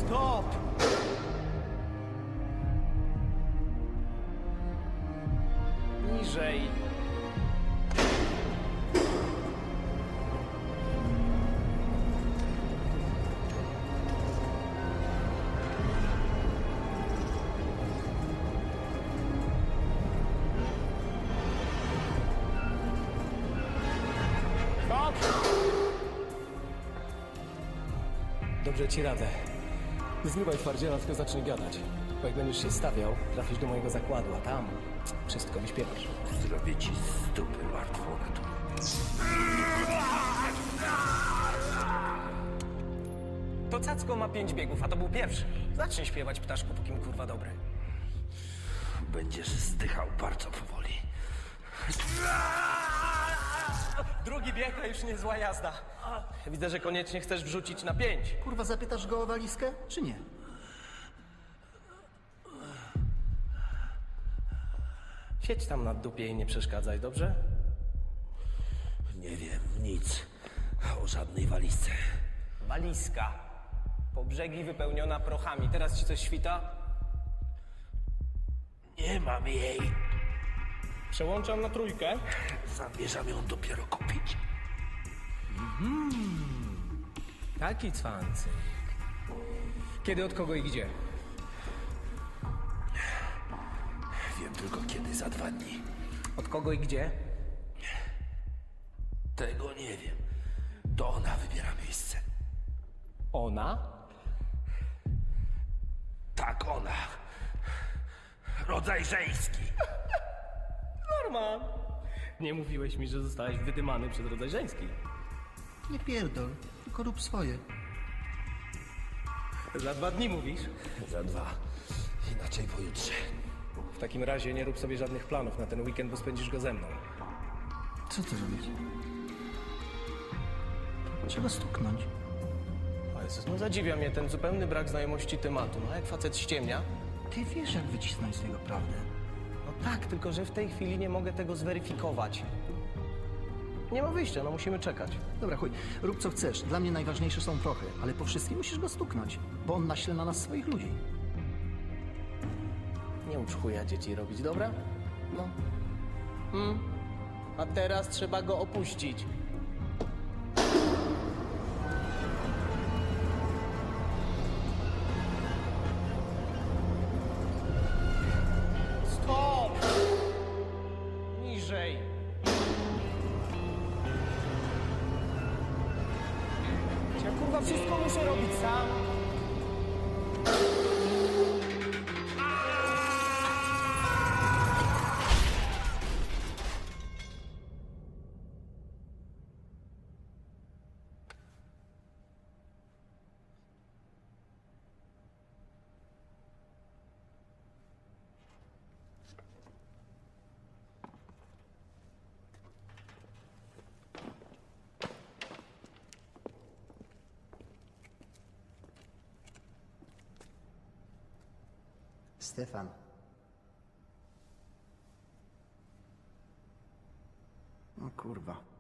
Stop! Niżej. Stop! Dobrze ci radzę. Nie zrywaj twardziela, tylko zacznij gadać. Bo jak będziesz się stawiał, trafisz do mojego zakładu, a tam wszystko wyśpiewasz. Zrobię ci z dupy martwą naturę. To Cacko ma 5 biegów, a to był pierwszy. Zacznij śpiewać, ptaszku, póki mi kurwa dobry. Będziesz zdychał bardzo powoli. Drugi bieg to już niezła jazda. Widzę, że koniecznie chcesz wrzucić na 5. Kurwa, zapytasz go o walizkę, czy nie? Siedź tam na dupie i nie przeszkadzaj, dobrze? Nie wiem nic o żadnej walizce. Walizka. Po brzegi wypełniona prochami. Teraz ci coś świta? Nie mam jej. Przełączam na 3. Zamierzam ją dopiero kupić. Taki cwancyk. Kiedy, od kogo i gdzie? Wiem tylko kiedy, za 2 dni. Od kogo i gdzie? Tego nie wiem. To ona wybiera miejsce. Ona? Tak, ona. Rodzaj żeński. Norman. Nie mówiłeś mi, że zostałeś wydymany przez rodzaj żeński. Nie pierdol, tylko rób swoje. Za 2 dni mówisz? Za 2. Inaczej pojutrze. W takim razie nie rób sobie żadnych planów na ten weekend, bo spędzisz go ze mną. Co ty robisz? Trzeba stuknąć. O Jezus, no zadziwia mnie ten zupełny brak znajomości tematu. No jak facet ściemnia? Ty wiesz, jak wycisnąć z niego prawdę. No tak, tylko że w tej chwili nie mogę tego zweryfikować. Nie ma wyjścia, no musimy czekać. Dobra, chuj, rób co chcesz. Dla mnie najważniejsze są prochy, ale po wszystkim musisz go stuknąć, bo on naśle na nas swoich ludzi. Nie ucz chuja dzieci robić, dobra? No. A teraz trzeba go opuścić. Stop! Niżej. Ja kurwa wszystko muszę robić sam. Stefan. O kurwa.